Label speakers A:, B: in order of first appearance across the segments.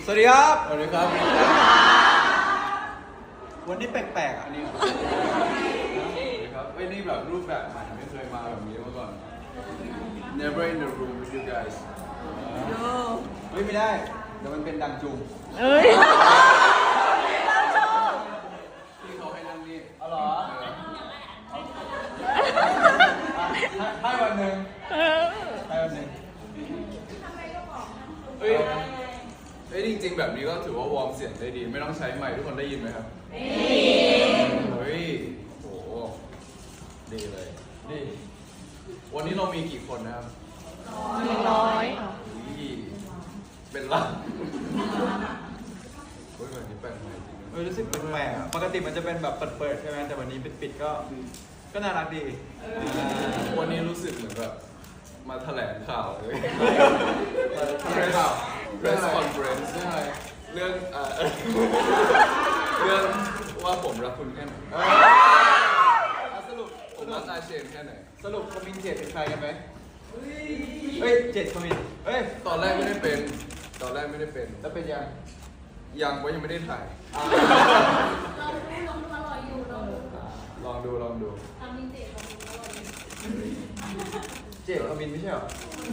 A: สวัสดีครับ
B: สวัสดีครับ
A: วันนี้แปลกๆอันนี้
B: สวัสดีครับนี่แบบรูปแบบใหม่ไม่เคยมาแบบนี้มาก่อน Never in the room with you guys
A: เฮ้ยไม่ได้เดี๋ยวมันเป็นดังจุง
C: เอ้ย
B: ที่เขาให้นั่งนี่
A: อ๋อเหรอให้วันหนึ่งให้วันหนึ่ง
B: เฮ้ยจริงๆแบบนี้ก็ถือว่าวอร์มเสียงได้ดีไม่ต้องใช้ไมค์ทุกคนได้ยินไหมครับเฮ้ยโอ้โหดีเลยดีวันนี้เรามีกี่คนนะครับ
C: 100
B: อุ้ยเป็นล้านเฮ้ยแบบนี้แปลกใหม่จริงนะ
A: รู้สึกแปลกๆอะปกติมันจะเป็นแบบเปิดๆใช่ไหมแต่วันนี้ปิดๆก็น่ารักดี
B: วันนี้รู้สึกเหมือนแบบมาแถลงข่าวเลย
A: แถลงข่าว
B: press conference เรื่องอะไรเรื่องเรื่องว่าผมรักคุณแค่ไหนสรุปผมรักอาเชนแค่ไหน
A: สรุปคอมมินเจ็ดเป็นใครกันไหมเฮ้ยเจ็ดคอมมินเฮ้ย
B: ตอนแรกไม่ได้เป็น
A: แล้วเป็นยัง
B: ยังว่ายังไม่ได้ถ่าย
D: ลองดูอร่อยอยู่ลองดู
B: ลองดู
D: ทำมินเจลองดูอร่อยอยู่
A: เจ็ดคอมมินไม่ใช่เหรอ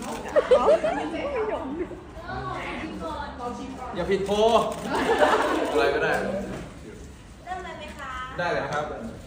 D: ชิมก่อน
A: อย่าผิดโพล
B: อะไรก็ได้
D: เริ่มเลยไหมคะ
A: ได้เลยนะครับ